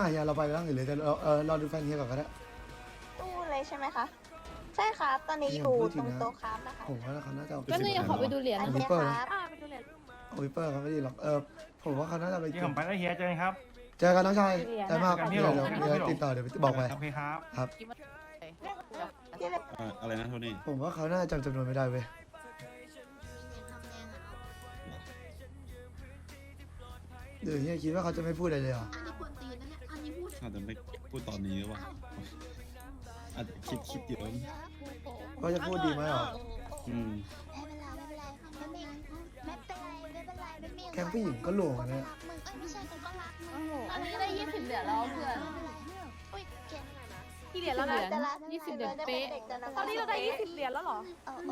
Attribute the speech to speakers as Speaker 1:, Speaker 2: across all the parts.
Speaker 1: เฮียเราไปร่างอื่นเลยแต่เราดูแฟนเฮียก่อนก็ได้
Speaker 2: ตู้เลยใช่ไหมคะใช่ครับตอนนี้อยู่ตรงโต๊ะครับนะคะ
Speaker 1: ผมว่าเขาน่าจะเอา
Speaker 3: ก็เนี่ยขอไปดูเหรียญ
Speaker 2: โอ
Speaker 1: เอา
Speaker 2: เค
Speaker 1: วิปเปอร์
Speaker 2: ครับ
Speaker 4: ไปดูเลย
Speaker 1: เอาวิปเปอร์เขาไม่ดีหรอกผมว่าเขาน่าจะไป
Speaker 5: ที่ผมไปแล้วเฮียเจอกันครับ
Speaker 1: เจอกันน้องชายใจมาก
Speaker 5: เจอกันที่
Speaker 1: เดี๋ยว
Speaker 5: โรง
Speaker 1: เดี๋ยวติดต่อเดี๋ยวบอกไป
Speaker 5: โอเคครับ
Speaker 1: ครับ
Speaker 6: อะไรนะโทนี่
Speaker 1: ผมว่าเขาน่าจะจำจำนวนไม่ได้เว้ยเดี๋ยวเฮียคิดว่าเขาจะไม่พูดอะไรเลยเหรอ
Speaker 7: อันนี้ควรตีนะเนี่ยอันนี้พูด
Speaker 6: อาจจะไม่พูดตอนนี้หรือเปล่าอาจจะคิดเยอะ
Speaker 1: ว่าจะพูดดีไหมเหรอ
Speaker 6: อืม
Speaker 1: แกงผู้หญิงก็หลวงอะเนี่ย
Speaker 3: อันนี้ได้20 เหรียญแล้วเพื่อน
Speaker 4: กี่เหรียญแล้วนะ
Speaker 3: 20 เหรียญเป๊ะ
Speaker 4: ตอนนี้เราได้20 เหรียญแล้วเหรอ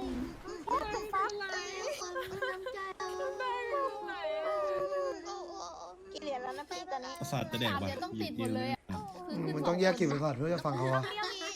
Speaker 2: กี่เหรียญแล้วนะพี่ตอนนี้
Speaker 6: ประสาทจะแดก
Speaker 3: 3 เห
Speaker 6: ว่ะ
Speaker 3: รียญต้องติดหมดเลยอ่ะ
Speaker 1: มันต้องแยกกลิ่นไปก่อนเพื่อจะฟังเขาอะ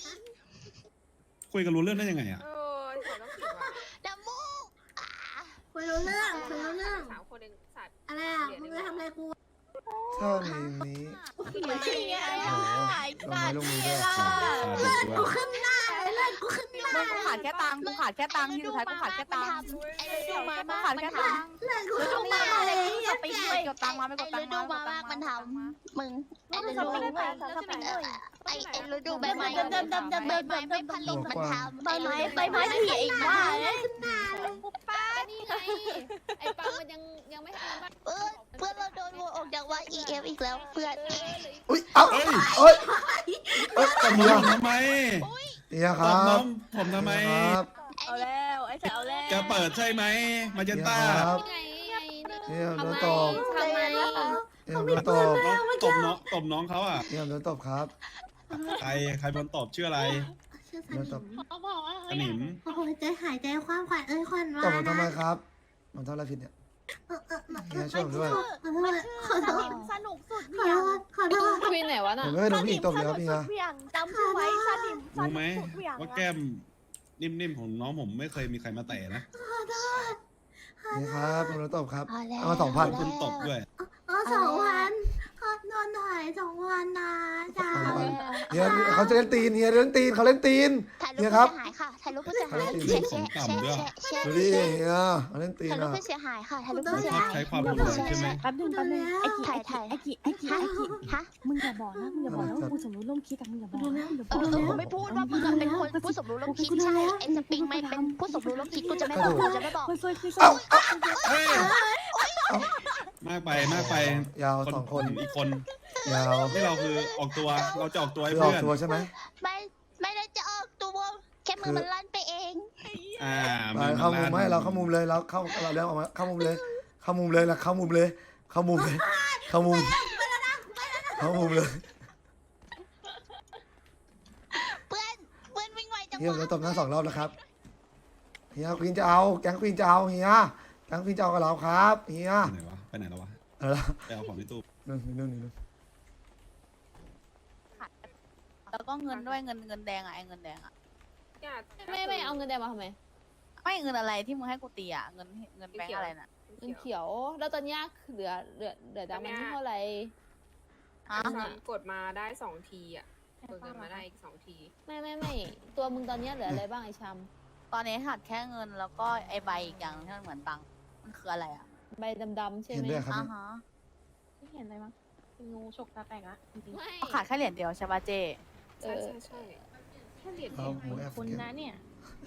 Speaker 6: คุยกันรู้เรื่องได้ยังไงอ่ะ
Speaker 7: ดัมมูคุยรู้เรื่องคุยรู้เรื่อง
Speaker 4: 3 คนเองสัตว์
Speaker 7: อะไรอ่ะมึงจะทำอะไรกู
Speaker 1: ถ้ามีนี้
Speaker 7: ขี้ไง
Speaker 1: โอ้โหลงไม้ลงมือด้วย
Speaker 7: กูขึ้นหน้าเลยเลือดกูขึ้นหน้า
Speaker 4: มึงกูขาดแค่ตังค์กูขาดแค่ตังค์ที่สุดท้ายกูขาดแค่ตังค์
Speaker 7: ไอ้ฤดูมา
Speaker 4: กู
Speaker 7: มาก
Speaker 4: ขาดแค่ตังค์
Speaker 7: เลือดกู
Speaker 4: ฤ
Speaker 7: ขึ้
Speaker 4: ดู
Speaker 7: นห
Speaker 4: มา
Speaker 7: น้า
Speaker 4: อะไร
Speaker 7: เลย
Speaker 4: กูจะไปช่วยกดตังค์มาไม่กดตังค์
Speaker 7: ฤดูมามากมันทำมึงไอ้ฤดูไอ้ฤดูใบไม้ใบไม้ไม่ผลิตมันทำใบไม้ผีไอ้บ้าเลยขึ้นหน้าเลย
Speaker 3: นี่ไงไอ้ปังมันยังไม่ทำบ้าน
Speaker 7: เพื่อนเราโดนโหวตออกจากว่า EF อีกแล้วเพื่อน
Speaker 1: อุ้ยเอ้าเอ้ยเฮีย
Speaker 6: ทำไม
Speaker 1: เฮียค
Speaker 6: ต
Speaker 1: รั
Speaker 6: บบ น้องผมทำไม
Speaker 1: ครับ
Speaker 4: เอาแล้วไอ้แฉเอาแล้ว
Speaker 6: แกเปิดใช่ไหมมาเจนต้า
Speaker 1: ครับ
Speaker 3: นี่ไง
Speaker 1: เฮียโดนตบ
Speaker 3: ทำไม
Speaker 1: เฮียโดนตบ
Speaker 6: ตบน้องเขาอ่ะ
Speaker 1: เฮียโดนตบครับ
Speaker 6: ใครโดนตบชื่ออะไร
Speaker 7: ชื่อส
Speaker 1: โดนตบ
Speaker 6: สนิม
Speaker 7: โอ้โหใจหายใจคว้างขวัญขวัญ
Speaker 1: ตบ
Speaker 7: ว่า
Speaker 1: ผมทำไมครับผมทำอะไรผิดเนี่ยเฮียช่วยผมด้วย
Speaker 7: ขอโทษ
Speaker 4: สนุกสุด
Speaker 7: ขอโทษขอโทษ
Speaker 3: ควีนไหนวะ
Speaker 1: ผ
Speaker 3: น่ะ
Speaker 1: มไม่ได้โดนผู้หญิงตบเลยครับเฮีย
Speaker 4: เหวี่ยงจำชื่อไว้สนิมส
Speaker 6: รู้
Speaker 4: นิ
Speaker 6: ไหม
Speaker 4: มสุดเหวี่ยง
Speaker 6: ว่าแก้มนิ่มๆของน้องผมไม่เคยมีใครมาแตะนะ
Speaker 1: นี่ครับผมโดนตบครับ
Speaker 7: พอแล้ว
Speaker 1: เอามา2,000
Speaker 6: คุณตบด้วย
Speaker 7: 2,000โดนถอย2,000นะจ้า
Speaker 1: เฮียเขาจะเล่นตีนเฮียเล่นตีนเขาเล่นตีน
Speaker 7: ถ่ายรูปผู้เสียหายค่ะถ่ายรูปผู้เสียหายแชร์แชร์
Speaker 1: ดูดิเฮียเขาเล่นตีน
Speaker 7: ถ่ายรูป
Speaker 1: อ่ะ
Speaker 7: ผู้เสียหายค่ะถ่ายรูป
Speaker 6: คุณ
Speaker 7: ผู้เสีย
Speaker 6: ชอบ
Speaker 7: หาย
Speaker 6: ใช้ความรุนแรงใช่ไหม
Speaker 4: แป๊บนึงไอ้กี่
Speaker 7: ถ่าย
Speaker 4: ไอ้กี่
Speaker 7: ฮะ
Speaker 4: มึงอย่าบอกนะมึงอย่าบอกนะว่ากูสมรู้ร่วมคิดกับมึงอย่าบอกนะ
Speaker 7: กูไม่พูดว่ามึงเป็นคนผู้สมรู้ร่วมคิดใช่ไอ้สปริงไม่เป็นผู้สมรู้ร่วมคิดกูจะไม่บอกกูจะไม่บอก
Speaker 4: คือคือ
Speaker 1: เอ้า
Speaker 6: เฮ้ยมากไป
Speaker 1: ยาว2 คน
Speaker 6: อีกคน
Speaker 1: ยาว
Speaker 6: ที่เราคือออกตัวเราจะออกตัวให้
Speaker 1: คือออ
Speaker 6: เพื่
Speaker 1: ก
Speaker 6: อน
Speaker 1: ตัวใช่ไหม
Speaker 7: ไม่ได้จะออกตัวแค่มือมันลั่นไปเอง
Speaker 1: ไปเข้ามุมไหมเราเข้ามุมเลยเราเข้าเราเลี้ยงออกมาเข้ามุมเลยเข้ามุมเลยละเข้ามุมเลยเข้ามุมเลยเข้ามุมเข้ามุมเลย
Speaker 7: เพื่อนวิ่งไวจัง
Speaker 1: เฮีย
Speaker 7: วะ
Speaker 1: เราตบหน้า2 รอบแล้วครับเฮียควีนจะเอาแก๊งควีนจะเอาเฮียแก๊งควีนจะเอากับเราครับเฮีย
Speaker 6: ไปไหนแล้ววะ
Speaker 1: อะไรนะ
Speaker 6: ไปเอาของในตู้
Speaker 1: นึ่ง
Speaker 4: แล้วก็เงินด้วยเงินแดงอ่ะไอ้เงินแดงอ่ะ
Speaker 3: ไม่เอาเงินแดงมาทำไม
Speaker 4: ไม่เงินอะไรที่มึงให้กูตีอ่ะเงินแบงค์อะไรน่ะ
Speaker 3: เงินเขียว แล้วตอนนี้เหลือดำมันเท่าไหร่
Speaker 4: ฮะ
Speaker 8: กดมาได้2 ทีอ่ะกดเงินมาได้อีก2 ที
Speaker 3: ไม่ตัวมึงตอนนี้เหลืออะไรบ้างไอ้ชาม
Speaker 4: ตอนนี้ขาดแค่เงินแล้วก็ไอ้ใบอีกอย่างที่มันเหมือนตังค์มันคืออะไรอ่ะ
Speaker 3: ใบดำๆใช่
Speaker 1: เห็น
Speaker 3: ไหม
Speaker 1: ด้วยครับ
Speaker 4: ฮะ
Speaker 8: ไม่เห็นอะไรมั้งงูฉกตาแตกละจริง
Speaker 3: ไม่
Speaker 4: ขาดแค่เหรียญเดียวใช่ป่ะเจ
Speaker 8: ๆใช่แค่เหรียญ
Speaker 1: เอา
Speaker 8: เดียว
Speaker 1: หมูแอฟ
Speaker 8: คุณนะเนี่ย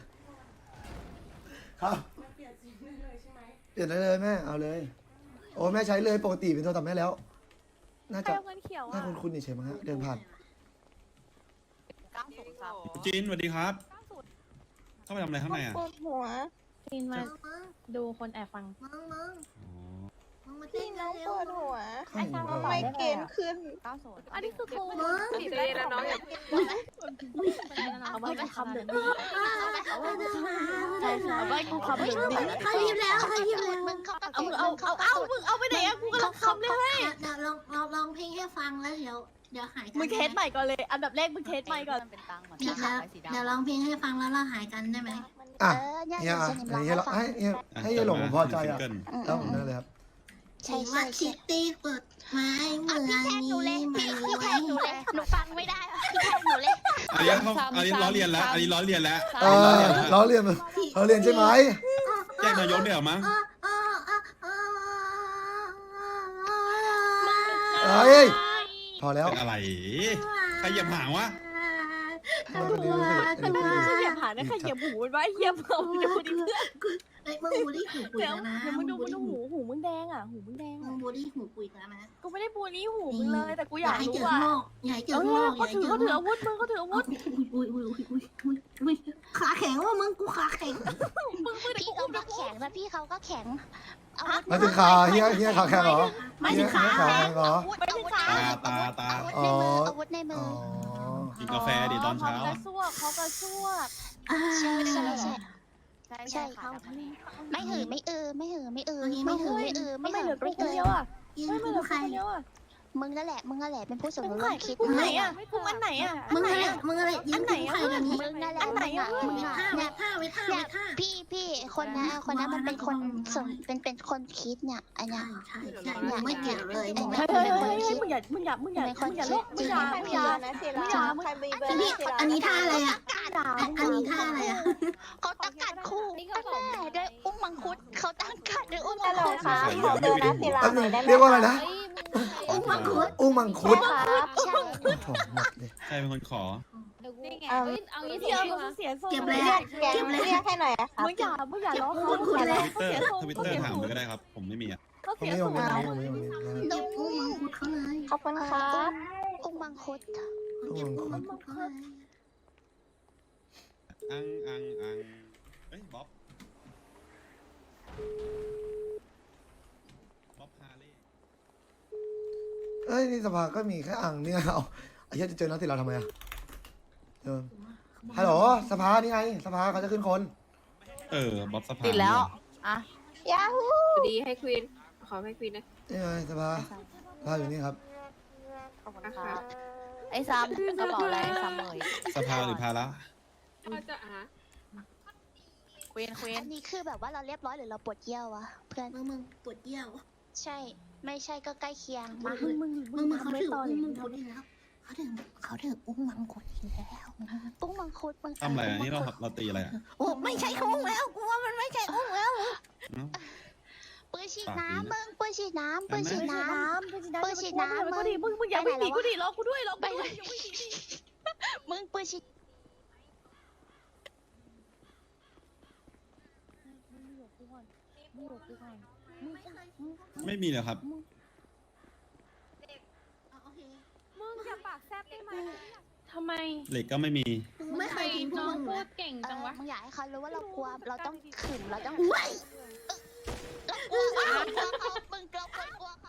Speaker 1: ครับเปลี่ยนได้เลยแม่เอาเลย โอ้แม่ใช้เลยปกติเป็นโทรศัพท์แม่แล้ว น่า
Speaker 4: ใคร
Speaker 1: จะ
Speaker 4: เอาเงินเขียว
Speaker 1: น่า
Speaker 4: อ่ะ
Speaker 1: คุ้นๆนี่ใช่ไหมฮะเดินผ่าน
Speaker 4: 90ครับ
Speaker 6: จีนสวัสดีครับ เข้าไปทำอะไรข้างในอ่ะ
Speaker 2: ปวดหัว
Speaker 8: จีนมาดูคนแอบฟัง
Speaker 7: มึงมา
Speaker 2: พี่
Speaker 7: เต้น
Speaker 2: น้อง
Speaker 7: เร็
Speaker 2: ป
Speaker 7: ว
Speaker 2: วดหัว
Speaker 1: ข้างหมู
Speaker 2: ทำไมเกณฑ์ขึ้น
Speaker 4: อันนี้คือกู
Speaker 7: มึง
Speaker 8: เจแล้วน้องอย่า
Speaker 4: เอาไว้กูคำเดิม
Speaker 7: ใช่ใช่
Speaker 4: เอาไว้กูคำเดิม
Speaker 7: เขายิ้มแล้วเขายิ้มแล้วมึงเข้าไป
Speaker 4: มึงเอาไปไหนอะกูกำลังคำเลย
Speaker 7: เดี๋ยวลองเพลงให้ฟังแล้วเดี๋ยวหายกัน
Speaker 4: มึงเทสใหม่ก่อนเลย อันดับแรกมึงเทสใหม่ก่อนเป็นตังค์เหมือน
Speaker 7: เดี๋ยวลองเพลงให้ฟังแล้วเราหายกันได้ไหม
Speaker 1: อ่ะเฮียอ่ะเฮียเราให้เฮียหลงผมพอใจอ่ะ
Speaker 6: ซิงเกิล
Speaker 1: แล้วผมนั่นเลยครับ
Speaker 7: ใช่ใช่คิตตี้กดไม้เหมือนนี้พี่แทงหนูเลยหนูฟังไม่ได้พี่แทงหนูเลย
Speaker 6: อันนี้ล้อเลียนแล้ว อันนี้ล้อเลียนแล้ว
Speaker 1: ล้อเลียนใช่ไหม
Speaker 6: แจ้งนายกเดี๋ยวมั้ง
Speaker 1: เฮ้ยพอแล้ว
Speaker 6: เป็นอะไรใครเหยียบหางวะ
Speaker 8: เหยียบหางได้ใครเหยียบหูมันวะเหยียบหูดูดิเพื่อน
Speaker 7: ไอ้มึงบูลลี่หูปุย
Speaker 8: เดี๋ยว
Speaker 7: แล้วนะ
Speaker 8: เดี๋ยวมึงดูหูมึงแดงอ่ะหูมึงแดง
Speaker 7: มึงบูลลี่หูปุยแล้วนะ
Speaker 8: กูไม่ได้บูลลี่หูมึงเลยแต่กูอยาก
Speaker 7: ให้
Speaker 8: รู้
Speaker 7: เจอ
Speaker 8: ว่า
Speaker 7: โลกอย่าให้เจอโลกอย่าให้
Speaker 8: เขาถื
Speaker 7: เจ
Speaker 8: อ
Speaker 7: อโล
Speaker 8: อาก วุธมึงเขาถืออาวุธ
Speaker 7: อุ้ยขาแข็งว่ามึงกูขาแข็ง
Speaker 4: พี่เขาก็แข็งนะพี่เขาก็แข็งอาวุธ
Speaker 1: มาถึงขาเฮียขาแข็งเหรอ
Speaker 7: ไม่ถึงขา
Speaker 1: ขาแข็งเหรอ
Speaker 4: อาวุธ
Speaker 6: ตา
Speaker 4: อาวุธในมือ
Speaker 1: อ๋อ
Speaker 6: กินกาแฟดิตอนเช้า
Speaker 8: เขากระซวกเขากระซวก
Speaker 4: ใช่ใช่ใช่
Speaker 8: ใช่เขา
Speaker 4: ไม่หือไม่เออไม่หือไม่เออ
Speaker 7: ไม่
Speaker 4: ไม่
Speaker 7: หื
Speaker 4: หื
Speaker 7: อ
Speaker 4: อ
Speaker 7: ไม่
Speaker 4: ไม่
Speaker 7: เอ
Speaker 4: เอ
Speaker 7: อ
Speaker 4: อ
Speaker 8: ไม่
Speaker 4: ไม่
Speaker 8: เห
Speaker 4: หื
Speaker 8: ลื
Speaker 4: อ
Speaker 8: อกู
Speaker 4: ไม่
Speaker 8: คน
Speaker 4: เอ
Speaker 8: เดียว
Speaker 4: อ
Speaker 8: อ่ะ
Speaker 7: ยัง
Speaker 8: ไม่เหลื
Speaker 7: กู
Speaker 8: อ
Speaker 7: ใคร
Speaker 8: คนเดียวอ่ะ
Speaker 4: มึงนั่นแหละเป็นผู้สมรู้
Speaker 8: มึง
Speaker 4: ร่วมคิด
Speaker 8: มึงไหนอ่ะมึงอันไหนอ่ะ
Speaker 7: มึงอะไรมึงอะไรยืนกูใครกันนี้
Speaker 4: มึงนั่นแหละ
Speaker 8: อันไหนอะ
Speaker 4: มึง
Speaker 7: ไว้
Speaker 4: อะ
Speaker 7: ท่าไว้ท่าไว้ท่าไว้ท่า
Speaker 4: พี่คนนั้นมันเป็นคนส่งเป็นคนคิดเนี่ยอันเนี้ย
Speaker 7: ใช่ใช่มึงไม่เกี่ยวเลยมึง
Speaker 8: เฮ้ยเฮ้ยเฮ้ยมึงอย่าลบมึงอย่า
Speaker 7: อันนี้ท่าอะไรอ่ะอันนี้ท่าอะไรอ่ะ
Speaker 4: เขาตั้งการคู่ตั้งแต่ด้วยอุ้งมังคุดเขาตั้งการด้วยอุ้งมั
Speaker 2: ฮั
Speaker 4: ง
Speaker 2: ลโหล
Speaker 4: คุด
Speaker 2: ครับขอเบอร์นะศิลา
Speaker 1: แป๊บ
Speaker 2: ห
Speaker 1: นึ
Speaker 2: น่อง ยได้ไหม
Speaker 1: เรียกว่าอะไรนะ
Speaker 2: ค
Speaker 7: อุ้งมังคุด
Speaker 1: อุ้งมังคุด
Speaker 2: รับ
Speaker 4: ใช่
Speaker 1: โอ้โหหมดเลย
Speaker 6: ใครเป็นคนขอ
Speaker 3: เดี๋ยวกูเอางี้
Speaker 8: เดี๋ยวมึงเสียทรง
Speaker 7: เก็บ
Speaker 2: เรี
Speaker 7: เลย
Speaker 2: ยกเรียกให้หน่อยอะครับ
Speaker 8: มึงอย่าล้อเขา
Speaker 6: ทวิตเตอร์ถามเลยก็ได้ครับ ผมไม่มีอ่ะ
Speaker 8: เขา
Speaker 1: ผม
Speaker 8: เสีย
Speaker 1: ไม่
Speaker 8: ท
Speaker 1: ผม
Speaker 8: รง
Speaker 1: ไม่ผมไม่ผมไม่
Speaker 7: ดอุ้งมังคุดเขาเลย
Speaker 2: ขอบคุณครับ
Speaker 4: อุ้งมังคุด
Speaker 1: อุ้งมังคุด
Speaker 6: อังเฮ้ยบ๊อบฮาเล่
Speaker 1: เอ้ยนี่สภาก็มีแค่อ่างเนี่ยเอาไอ้เหี้ยจะเจอนักติเราทำไมอ่ะเดินฮัลโหลสภานี่ไงสภาเขาจะขึ้นคน
Speaker 6: บ๊อบสภา
Speaker 4: ติดแล้วอ่ะ
Speaker 2: ยาฮู
Speaker 8: ดีให้ควีนขอให้ควีนนะ
Speaker 1: นี่ไงสภาสภาอยู่นี่ครับ
Speaker 8: ขอบคุณครับ
Speaker 4: ไอ้ซ้ำกระเป๋าอะไรซ้ำเลย
Speaker 6: สภาหรือภาระ
Speaker 8: จะอ่ะ
Speaker 4: ควีนอันนี้คือแบบว่าเราเรียบร้อยหรือเราปวดเยี่ยววะเพื่อน
Speaker 7: มึงปวดเยี่ยว
Speaker 4: ใช่ไม่ใช่ก็ใกล้เคียงมา
Speaker 7: มึงเขาถืออุ้งมังคุดอีกแล้วเขาถืออุ้งมังคุดอีกแล้ว
Speaker 4: อุ้งมังคุดมัง
Speaker 6: ทำอะไรนี่เราตีอะไรอ่ะ
Speaker 7: โอ้ไม่ใช่อุ้งแล้วกูว่ามันไม่ใช่อุ้งแล้ว
Speaker 4: ปืนฉีดน้ำมึงปืนฉีดน้ำปืนฉีดน้ำ
Speaker 8: ก็ดีมึงอย่าวิ่งหนีกูดิรอกูด้วยรอกูด้วย
Speaker 4: มึงปืนฉีด
Speaker 6: ไม่มีเลยครับ
Speaker 8: มึงอย่าปากแซ่บได้ไหมทำไม
Speaker 6: เหล็กก็ไม่มี
Speaker 7: ไม่เคยกินพวกมึง
Speaker 3: พู
Speaker 7: เลย
Speaker 3: ดเก่งจังวะ
Speaker 4: มึงอยากให้เขารู้ว่าเรากลัวเราต้องขึงเราต้อง
Speaker 7: อุ้ย
Speaker 4: เรากลัวเขามึงกลัวเขา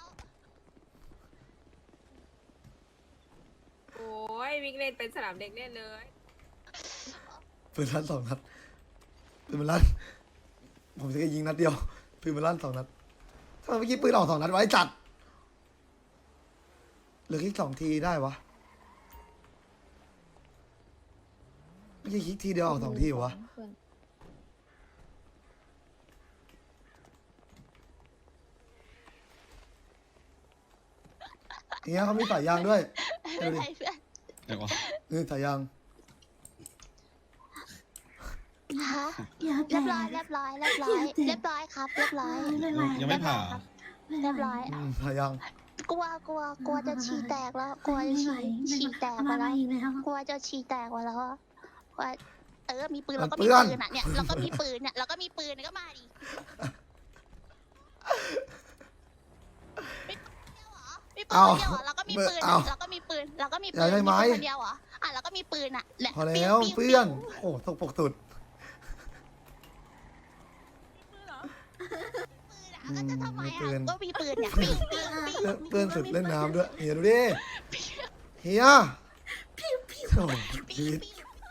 Speaker 8: โอ้ยวิ่งเล่นเป็นสนามเด็กเล่นเลย
Speaker 1: ปืนลั่น2 นัดปืนมันลั่นผมจะแค่ยิงนัดเดียวปืนมันลั่น2 นัดทำไมเมื่อกี้ปืนออก2 นัดไว้จัดเหลืออีก2 ทีได้วะไม่ใช่คลิกทีเดียวออก2 ทีเหรอวะอย่างเงี้ยเขามีสายยางด้วย
Speaker 4: ไม่เป็นไรเพื่อน
Speaker 6: เดี๋ยวก่อน
Speaker 1: นี่สายยาง
Speaker 4: ฮะ
Speaker 7: อย่า
Speaker 4: เรียบร้อยครับเรียบร้อย
Speaker 6: ยังไม่ผ่า
Speaker 4: เรียบร้อย
Speaker 1: สายยาง
Speaker 4: กลัวจะฉี่แตกแล้วกลัวจะฉี่แตกมาแล้วกลัวจะฉี่แตกมาแล้วว่ามีปืนเราก็มีปืนอ่ะเนี่ยเราก็มีปืนเนี่ยเราก็มีปืนก็มาดิมีปืนเดียวเหรอเราก็มีปืนเราก็มีปืนคนเดียวเหรอเราก็มีปืนอ่ะ
Speaker 1: พอแล้วเพื่อนโอ้ตกปกตุด
Speaker 4: ก็จะทำไมก็มีปืนเนี่ย
Speaker 1: เพื่อนสุดเล่นน้ำด้วยเฮียดูดิเฮียโอ้ชีวิต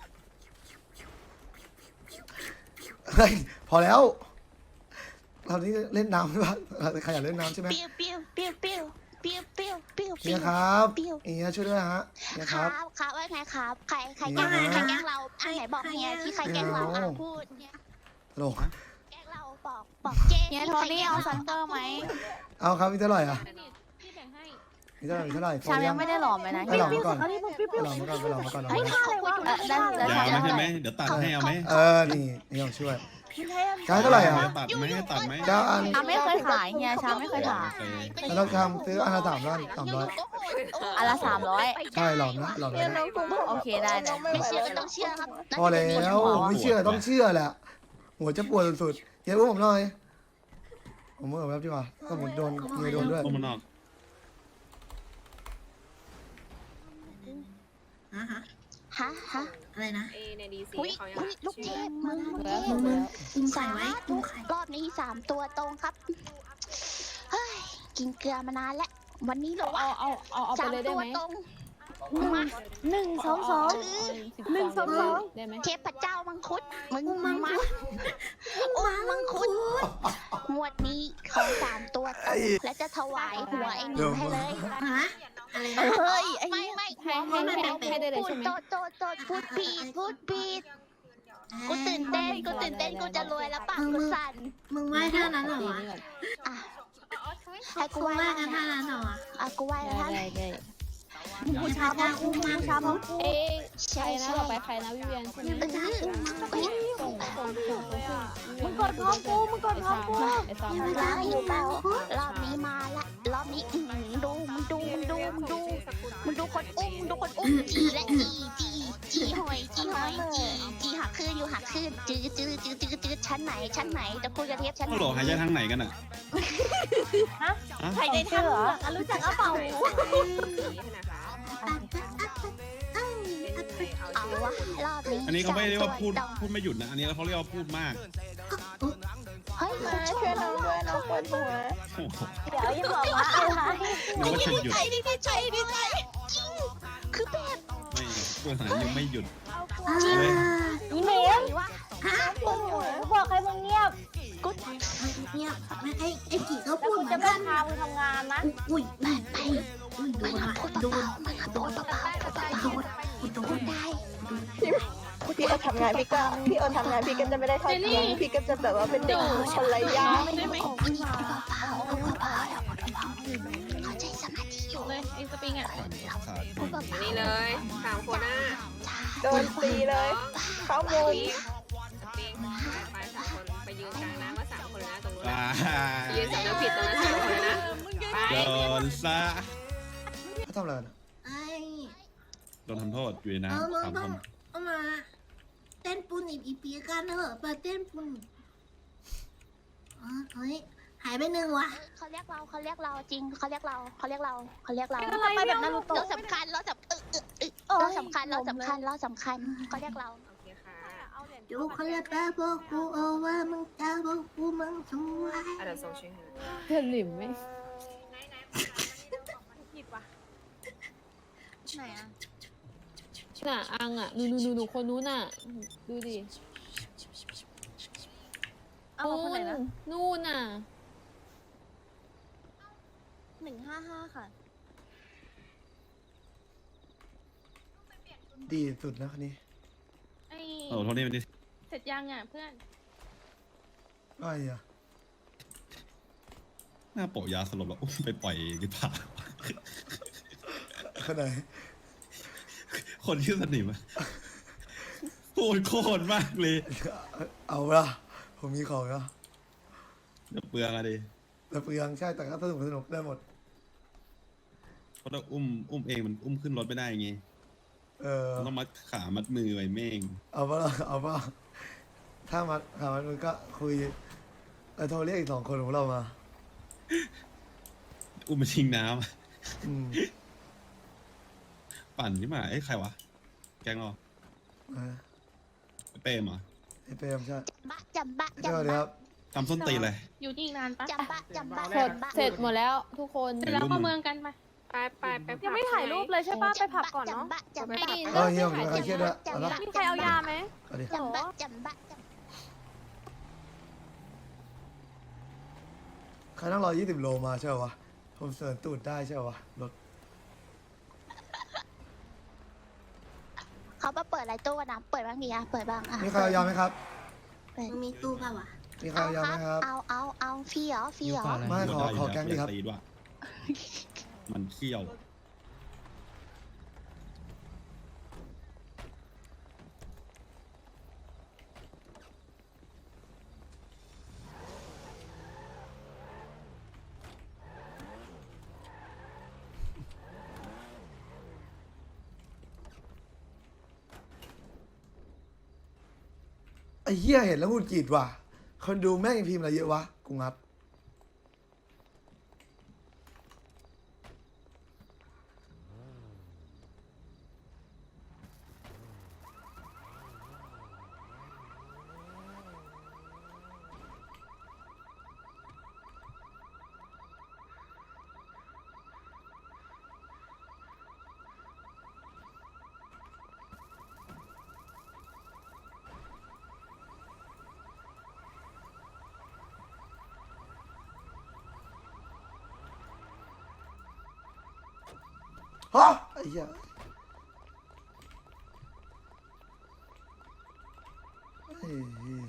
Speaker 1: เฮ้ยพอแล้วเรานี่เล่นน้ำใช่ปะใครอยากเล่นน้ำใช่ไหมเฮียครับเฮียช่วยด้วยฮะเฮียครับ
Speaker 4: ครับว่าไงครับใครแกล้งเราไหนบอกเฮียที่ใครแกล้งเราพูดเนี่ย
Speaker 1: ฮัลโหล
Speaker 4: แกล้งเราบอกเจ๊
Speaker 7: เฮียโทนี่เอาซันเตอร์ไหม
Speaker 1: เอาครับมีเท่าไหร่อ่ะ
Speaker 8: พี่แบ่งให้
Speaker 1: มีเท่าไหร่มีเท่าไหร่
Speaker 7: ชามยังไม่ได้หลอมเลยนะ
Speaker 1: ไปหลอมมาก่อน
Speaker 8: อันนี้ผมปิ๊บ
Speaker 1: ไปหลอมมาก่อนไปหลอมมาก่อน
Speaker 7: เฮ้ยท่าอะไรวะได้ได้
Speaker 6: ยาว
Speaker 7: ได้
Speaker 6: ไหมใช่ไหมเดี๋ยวตัดให้เอาไหม
Speaker 1: นี่ต้องช่วยใช้เท่าไหร่อ่ะ
Speaker 6: ตัดไหมตัดไหม
Speaker 1: เจ้าอัน
Speaker 7: ชามไม่เคยขายเฮียชามไม่เคยขาย
Speaker 1: แล้วเราทำซื้ออันละ300
Speaker 7: อันละ
Speaker 1: ใช่หลอมนะหลอม
Speaker 2: เนี่ย
Speaker 1: นะ
Speaker 2: น้องกุ้งบอก
Speaker 7: โอเคได้นะ
Speaker 4: ไม่เชื่อก็ต้องเชื่อครับ
Speaker 1: พอแล้วไม่เชื่อต้องเชื่อแหละหัวจะปวดสุดๆเดี๋ยวผมหน่อยผมเมื่อแบบดีกว่าก็ผมโดนเมียโดนด้วย
Speaker 6: ต้มมันออก
Speaker 4: ฮะอะไรนะอุ้ยลูกเทพมึง
Speaker 7: ใส่ไว้
Speaker 4: รอบนี้3 ตัวตรงครับเฮ้ยกินเกลือมานานแล้ววันนี้เหรอวะ
Speaker 3: เอาไปเลย
Speaker 4: 3
Speaker 3: ได้
Speaker 4: ตัว
Speaker 3: ไหม
Speaker 4: ตรงมา
Speaker 3: 1 2 2ได้ไหม
Speaker 4: เทพเจ้ามังคุดมึงมามังคุดงวดนี้ขอ3 ตัวตรงและจะถวายหัวไอ้หนูให้เลยเฮ้ยไม่
Speaker 3: ให้ได้เลยใช่ไหม
Speaker 4: โจพูดผิดกูตื่นเต้นกูจะรวยแล้วปากกูสั่น
Speaker 7: มึงไหว้ท่านั้นเหรอวะ
Speaker 4: อ่ะให้กูไหว้แล้วท่านั้นเหรออ่ะกูไหว้แล้วท่าน
Speaker 3: ได้
Speaker 7: บูชาพระอุ้มบูชาพระ
Speaker 3: เอ๊ะใครนะต่อไปใครนะวิเวียนใช่ไหมมึงกดพร้อมกูไอ้ซอม
Speaker 4: ได้อยู่แล้วรอบนี้มาละรอบนี้ดูมึงดูคนอุ้มจีและจีหอยจีหักคืนอยู่หักคืนจืดชั้นไหนจะคุยกับเทพชั้นไหน
Speaker 6: โหลหายใจทางไหนกันอ่ะ
Speaker 7: ใครได้ทำเหรอรู้จักกระเป๋า
Speaker 4: เอาวะรอบนี้
Speaker 6: อันนี้เขาไม่เรียกว่าพูดไม่หยุดนะอันนี้เขาเรียกว่าพูดมาก
Speaker 4: เฮ้ย
Speaker 2: มาช่วยน้องด้วยน้องปวดหัว
Speaker 6: โอ้โห
Speaker 7: เดี๋ยวยิ่งบอกว่าอะไร
Speaker 6: นึกว่าจะหยุด
Speaker 4: ดีใจจริงคือแบบ
Speaker 6: ไม่พูดหายังไม่หยุด
Speaker 7: อีเมล
Speaker 4: ว่า
Speaker 7: บอกใครมึงเงียบ
Speaker 4: เงียบ
Speaker 7: ไอ้กี่ก็พูดจะไม่พามึงทำงานนะ
Speaker 4: ไปมันพูดเบาๆพูดได้
Speaker 2: พี่เอาทำงานพี่เอาทำงานพี่ก็จะไม่ได้เข้าเที่ยงพี่ก็จะแบบว่าเป็นเด็กคนไร้ญาติ
Speaker 4: เขาใจสมาธิอยู่
Speaker 8: เลยไอ้สปริงอ่ะ
Speaker 6: ขาด
Speaker 4: พูดเบาๆ
Speaker 5: นี่เลย3 คนน่ะ
Speaker 2: โดนตีเลยเข้ามุม
Speaker 5: ปิงไป3 คนไปยืนกลางน้ำว่า3 คนนะตรงนู้น
Speaker 6: ว้า
Speaker 5: นะยืนสำนึกผิดตรงนั้น3 คนนะไป
Speaker 6: โดนซะ
Speaker 1: เขาทำอะไรกัน
Speaker 6: โดนทำโทษอยู่ในน้ำ3 คน
Speaker 7: เอามาเต้นปูนอีปีกันเถอะไปเต้นปูนเฮ้ยหายไป1ว่ะ
Speaker 4: เขาเรียกเราจริงเขาเรียกเรา
Speaker 7: ไปแบบนารูโตะ
Speaker 4: เราสำคัญเขาเรียกเรา
Speaker 5: โอเคค่ะ
Speaker 7: ดูเขาเรียกแป๊บบอกกูเอาว่ามึงจะบอกกูมึงช่วย
Speaker 5: เดี๋ยวส่งชื่อให้
Speaker 3: เพื่อนหลิมไหม
Speaker 8: ผิดว่ะไหนอ่ะ
Speaker 3: น่ะอังอ่ะหนูคนนู้นน่ะดูดิ
Speaker 8: เอาคนไหนนะ
Speaker 3: นู่นน่ะ
Speaker 7: 155ค่ะ
Speaker 1: ดีสุดนะคันนี้
Speaker 8: ไอ้
Speaker 6: โอ้โทษนี่มันดิ
Speaker 8: เสร็จยังอ่ะเพื่อน
Speaker 1: ไอ้อะ
Speaker 6: หน้าโปะยาสลบแล้วอุ้มไปปล่อยหรือเปล่า
Speaker 1: ขนาด
Speaker 6: คนชื่อสนิมอะโหดโคตรมากเลย
Speaker 1: เอาละผมมีของนะ
Speaker 6: เดี๋ยวเปลืองอะดิ
Speaker 1: แต่เปลืองใช่แต่ก็สนุกได้หมด
Speaker 6: เพราะถ้าอุ้มเองมันอุ้มขึ้นรถไม่ได้ไง มันต้องมัดขามัดมือไว้เม่ง
Speaker 1: เอาป่ะถ้ามัดขามันก็คุยโทรเรียกอีก2 คนของเรามา
Speaker 6: อุ้มมาทิ้งน้
Speaker 1: อืม
Speaker 6: ำปั่นที่มาไอ้ยใครวะ แกงเหรอ เปรมเหรอ
Speaker 1: ไอ้เปรมใช่
Speaker 4: จำบะ
Speaker 1: สวัสดีครับ
Speaker 6: ทำส้นตีนเลย
Speaker 8: อยู่ที่อีกนานปะ
Speaker 4: จำบะ
Speaker 3: เสร็จหมดแล้วทุกคน
Speaker 8: เสร็จแล้วเข้าเมืองกันไป
Speaker 5: ไป
Speaker 8: ยังไม่ถ่ายรูปเลยใช่ปะไปผับก่อนเนาะ
Speaker 4: จำบะ
Speaker 1: เฮียผมจะใครเครียดด้วยเอาละ
Speaker 8: มีใครเอายาไหม
Speaker 1: เอาดิ
Speaker 4: จำบะ
Speaker 1: ใครต้อง120 โลมาใช่ป่าวะผมเสริญตูดได้ใช่ป่าวะรถ
Speaker 4: เขามาเปิดอะไรตู้นะเปิดบ้างดีอะเปิดบ้างอะ
Speaker 1: มีใครเอายาไหมครับ
Speaker 7: มึงมีตู้ป่าวะ
Speaker 1: มีใครเอายาไหมครับ
Speaker 4: เอาฟรีเหรอฟรีเหรอ
Speaker 1: ไม่ขอแก๊งดีครับ
Speaker 6: ตีด้วยมันเขี้ยว
Speaker 1: ไอ้เหี้ยเห็นแล้วหงุดหงิดว่ะคนดูแม่งพิมพ์อะไรเยอะวะกูงับฮะไอ้เหี้ยไอ้เหี้ย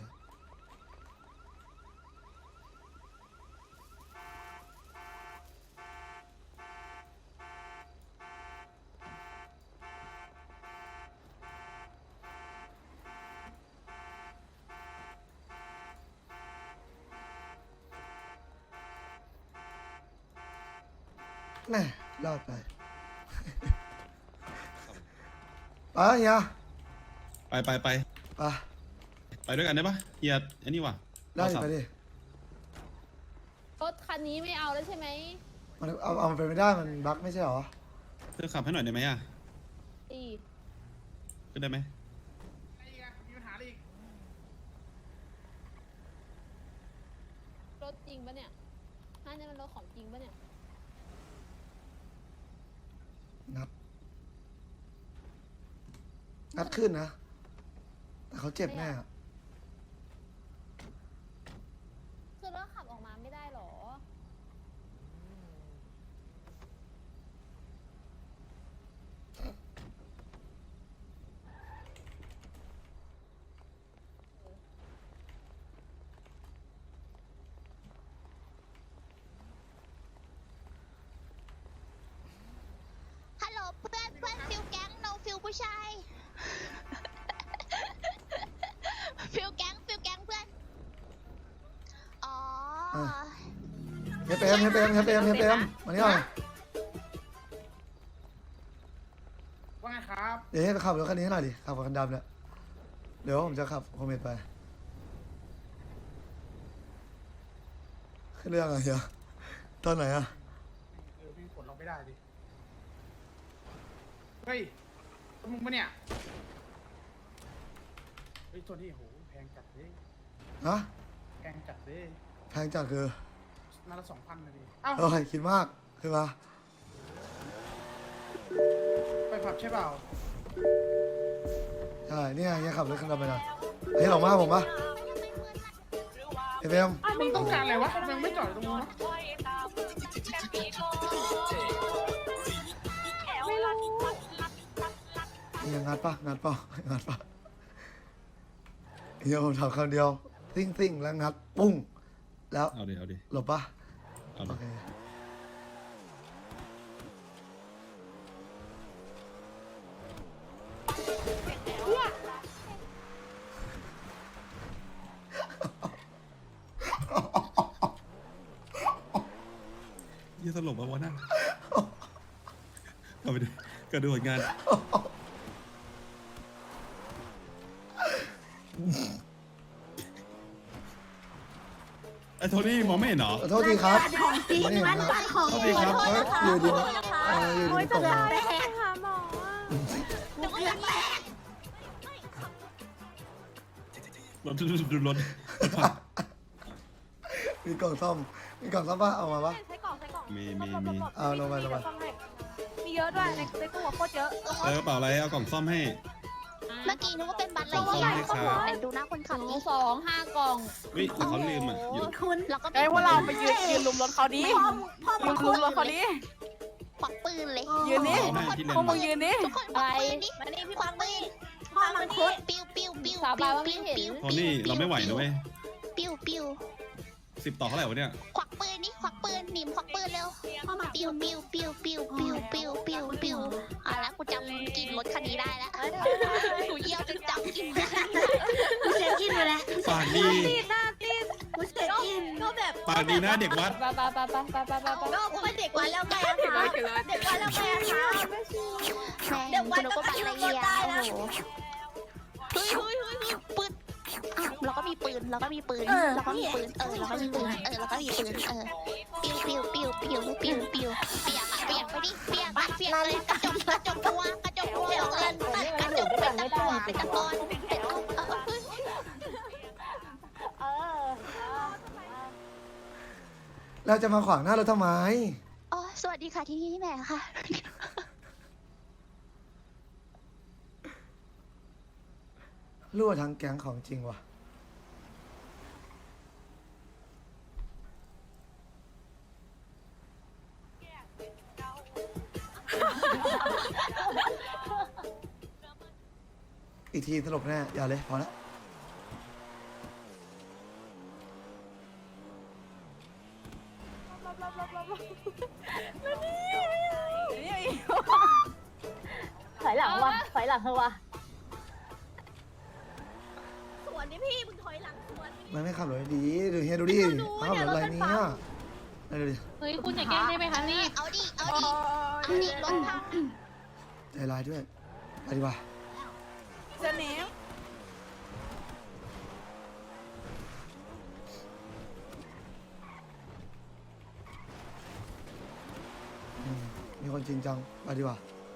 Speaker 1: แน่รอดไปไปเฮีย
Speaker 6: ไป
Speaker 1: ไป
Speaker 6: ไปด้วยกันได้ปะเฮียอันนี้ว่ะ
Speaker 1: ได้ไปดิ
Speaker 3: รถคันนี้ไม่เอาแล้วใช่ไหม
Speaker 1: มันเอามันไปไม่ได้มันบั๊กไม่ใช่หรอ
Speaker 6: เธอขับให้หน่อยได้ไหมอ่ะ
Speaker 3: ตี
Speaker 6: ขึ้นได้ไหม
Speaker 3: รถจริงปะเนี่ยนี่มันรถของจริงปะเนี่ย
Speaker 1: งัดขึ้นนะแต่เขาเจ็บแน่อะ
Speaker 3: คือรถขับออกมาไม่ได้หรอ
Speaker 4: ฮัลโหลเพื่อนฟิลแก๊งโนฟิลผู้ชายฟิลแก๊งเพื่อนอ๋อ
Speaker 1: เฮปเอ็มมานี่หน่อย
Speaker 9: ว่าไงครับ
Speaker 1: เดี๋ยวให้ไปขับรถคันนี้ให้หน่อยดิขับกับคันดำเนี่ยเดี๋ยวผมจะขับโคเมตไปขึ้นเรื่องอะไรเฮียตอนไหนอะ
Speaker 9: พี่กดเราไม่ได้ดิ เฮ้ยมึงปะเนี่ย เฮ้ยตัวนี้โหแพงจัดเลย
Speaker 1: ฮะ
Speaker 9: แพงจัดเลย
Speaker 1: แพงจัดคือ
Speaker 9: นาละ2,000นะดิเอ้า
Speaker 1: เอ้ยคิดมากคือมา
Speaker 9: ไปผับใช่เปล่า
Speaker 1: ใช่เนี่ยเฮียขับรถคันดำไปหน่อยเฮ้ยหลงมาผมปะเฮปเอ็ม
Speaker 9: มึงต้องการอะไรวะมึงไม่จอดตรงนู้นเนาะ
Speaker 1: ยังงัดปะงัดปะเฮียผมทำคำเดียวซิ่งแล้วงัดปุ้งแล้ว
Speaker 6: เอาดิ
Speaker 1: หลบปะ
Speaker 6: เอา
Speaker 1: โอ
Speaker 6: ดิ
Speaker 1: เค
Speaker 6: เฮียสลบมาวะนั่นเอาไปดิก็ดูผลงานไอ้โทนี่มองไม่เห็นเหรอ
Speaker 1: ขอโทษทีครับ
Speaker 7: ของจริง
Speaker 1: ไม่เห็น
Speaker 7: มัน
Speaker 1: ครับ
Speaker 7: ปัดของ
Speaker 1: โทษ
Speaker 7: จริ
Speaker 1: ที
Speaker 7: ง
Speaker 1: ครับเฮ้ยอยู่ดีนะอยู่ดีตกมา
Speaker 8: ไปหาหมอ
Speaker 6: รถ
Speaker 1: มีกล่องซ่อมปะเอามาปะ
Speaker 8: ใช้กล่อง
Speaker 6: มี
Speaker 1: เอาลงไป
Speaker 8: มีเยอะด้วยในตู้โคตรเยอะ
Speaker 6: เออกระเป๋าอะไรเอากล่องซ่อมให้
Speaker 4: เมื่อกี้นึกว่าเป็นบัตรอะไร
Speaker 6: ขอบคุณครับ
Speaker 4: ไหนดูหน้าคนขับดิ
Speaker 3: 2 5 กล่อง
Speaker 6: เฮ้ยเขาลืมอ่ะอยู่
Speaker 7: คุณ
Speaker 4: แล้วก็
Speaker 8: ไอ้พวกเราไปยืนลุมรถเขาดิ
Speaker 7: พ่อ
Speaker 8: ลุ
Speaker 7: มาม คุ
Speaker 8: ลุ
Speaker 7: ณ
Speaker 8: มรถเขาดิ
Speaker 4: ควักปืนเลย
Speaker 8: ยืนดิ
Speaker 6: เอาให้พี่เลน
Speaker 8: พวกมึงยืนดิ
Speaker 4: ทุกคนควักปืนดิ
Speaker 7: มานี่พี่
Speaker 4: ควักปืน
Speaker 7: พ่อมังคุด
Speaker 4: ปิ้วปิ้วปิ้ว
Speaker 3: สาบา
Speaker 4: ปิ้
Speaker 3: น
Speaker 4: ว
Speaker 3: ว่าไม่
Speaker 4: ปิ้ว
Speaker 3: เห็น
Speaker 4: ปิ้ว
Speaker 6: โทนี่เราไม่ไหวนะเว้ย
Speaker 4: ปิ้ววปิ้ว
Speaker 6: 10 ต่อเท่าไหร่วะเนี่ย
Speaker 4: ควักปืนนี่ควักปืนหนิมควักปืนเร็วปิ้วปิ้วปิ้วปิ้วปิ้วปิ้วปิ้วปิ้วแล้วกูจำกลิ่นรถคันนี้ได้แล้วกูเยี่ยวจนจำกลิ่น
Speaker 7: กูเช็คอินไปแล้ว
Speaker 6: ปากดี
Speaker 7: กูเช็คอินก็แบบ
Speaker 6: ปากดีนะเด็กวัด
Speaker 3: ไปไปไปไปไปไปไป
Speaker 7: ก็กูเป็นเด็กวัดแล้วไงอะคะเด็กวัดแล้วไงอะคะ
Speaker 4: เดี๋ยววันก็ไปอะไรเงี้ยโอ้โหเฮ้ยปืนเราก็มีปืนเราก็มีปืนเราก็มีปืนเราก็มีปืนเราก็มีปืนปิ้วปิ้วปิ้วปิ้วปิ้วปิ้วเปียกไปดิเปียกเลยกระจกตัวกระจกตัวกระจกเป็นตะกอนเป็นตะกอน
Speaker 1: เราจะมาขวางหน้าเราทำไม
Speaker 4: อ๋อสวัสดีค่ะที่นี่แม่ค่ะ
Speaker 1: รั่วทั้งแก๊งของจริงว่ะอีกทีสลบแน่อย่าเลยพอแล้ว
Speaker 8: ถอยหลังวะถอยหลังเถอะวะ
Speaker 7: สวนนี่พี่มึงถอยหลังสวน
Speaker 1: มันไม่ขับรถดีดูเฮียดูดิขับรถอะไรเนี่ยดูดิ
Speaker 3: เฮ้ยคุณอย่าแกล้งได้ไหมคะรีบ
Speaker 4: เอาดิรถพัง
Speaker 1: ใจร้ายด้วยไปดีกว่า
Speaker 7: จะเนม
Speaker 1: มีคนจริงจังไปดีกว่า